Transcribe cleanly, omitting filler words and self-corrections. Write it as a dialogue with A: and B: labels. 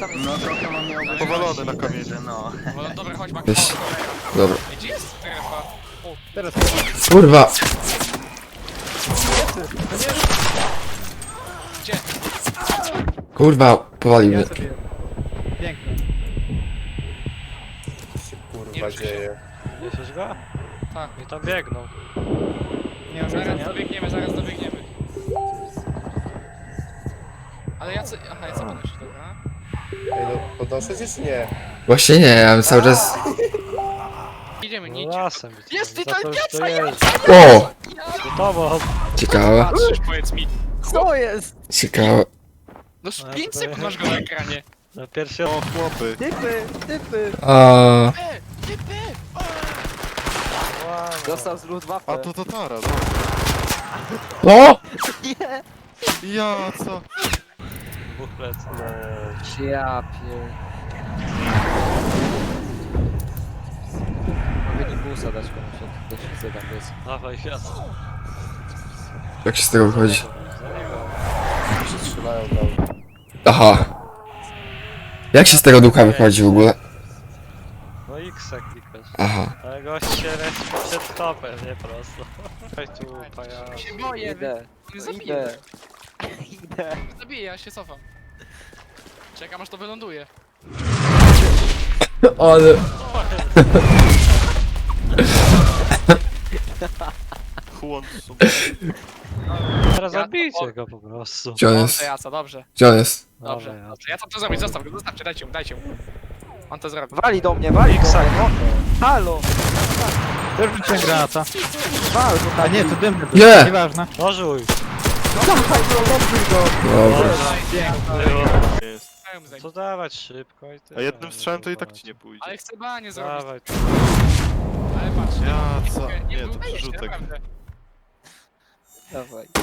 A: tam jest?
B: No trochę mam miał być
C: Powalony na kamieniu.
B: no.
D: No, dobra, chodź, Max.
E: Weź. Dobra.
D: Ej, gdzie jest strefa? O,
A: Teraz
E: Kurwa!
D: gdzie?
E: Kurwa, powalił mnie.
A: ja sobie... Piękne.
C: się
D: Nie
C: kurwa
D: wiem,
C: dzieje.
F: Słyszysz go?
D: Tak.
F: I tam biegną.
A: Nie mam
D: Zaraz
A: jedzenia.
D: dobiegniemy, zaraz dobiegniemy. Ale ja co... Aha, ja co podnoszę, dobra.
C: Ej, no podnoszę cię czy nie?
E: Właśnie nie, ja bym cały czas...
D: Idziemy, nie
F: No
D: idźcie.
F: lasem.
D: Jest
F: Za
D: tutaj
F: to, że
D: pieca,
F: to
D: ja-
F: jest.
E: O!
F: Do tobą.
E: Ciekawe,
D: Patrzysz, powiedz mi.
A: Co jest?
E: ciekawe.
D: No z
F: Ale
D: 5
F: to-
D: sekund masz go na ekranie.
F: Na pierwszy
C: O, chłopy.
A: Typy!
E: A
D: Typy!
A: Dostał z Luftwaffe.
C: A to Tatara, no.
E: O!
A: Nie!
C: Ja, co?
F: dwóch plec.
A: Ja pier... Mogę busa dać komuś, jak ktoś chce tam jest.
F: Dawaj, jasno.
E: Jak się z tego wychodzi?
C: Się strzelają tam.
E: Aha. Jak się z tego ducha wychodzi w ogóle?
F: No X klikasz.
E: Aha.
F: Ale gość się leci przed topem, nie prosto. Chodź tu, pajac.
D: Się boję,
A: Idę,
D: nie zabiję.
A: idę.
D: Zabiję, ja się cofam. Czekam aż to wyląduje.
E: Ale...
C: Chłon
F: Teraz
D: Ja-
F: zabijcie go po prostu.
E: Gdzie on
D: Dobrze,
E: jest?
D: Jaca, dobrze.
E: Gdzie on jest?
D: Dobrze,
F: Dobra,
D: dobrze. Ja co to zrobić? Zostaw go, zostawcie, dajcie mu. On to zrobi.
A: Wali do mnie, wali do
F: X-a,
A: mnie.
F: no.
A: Halo!
G: Też rzuciłem granata.
A: Wal go
G: A
A: tam.
G: nie, to dymny.
E: Nie!
G: Nieważne.
F: Nożuj.
A: Dawaj go, ląduj go!
E: Dobra.
C: jest.
D: Dałem za nim.
F: Co dawać szybko i tyle.
C: A jednym strzałem to i tak ci nie pójdzie.
D: Ale chcę banie zrobić.
F: Dawaj.
D: Ale patrz.
C: Ja, co? Nie, to
D: wydaje się,
C: przerzutek.
D: naprawdę.
A: Dawaj.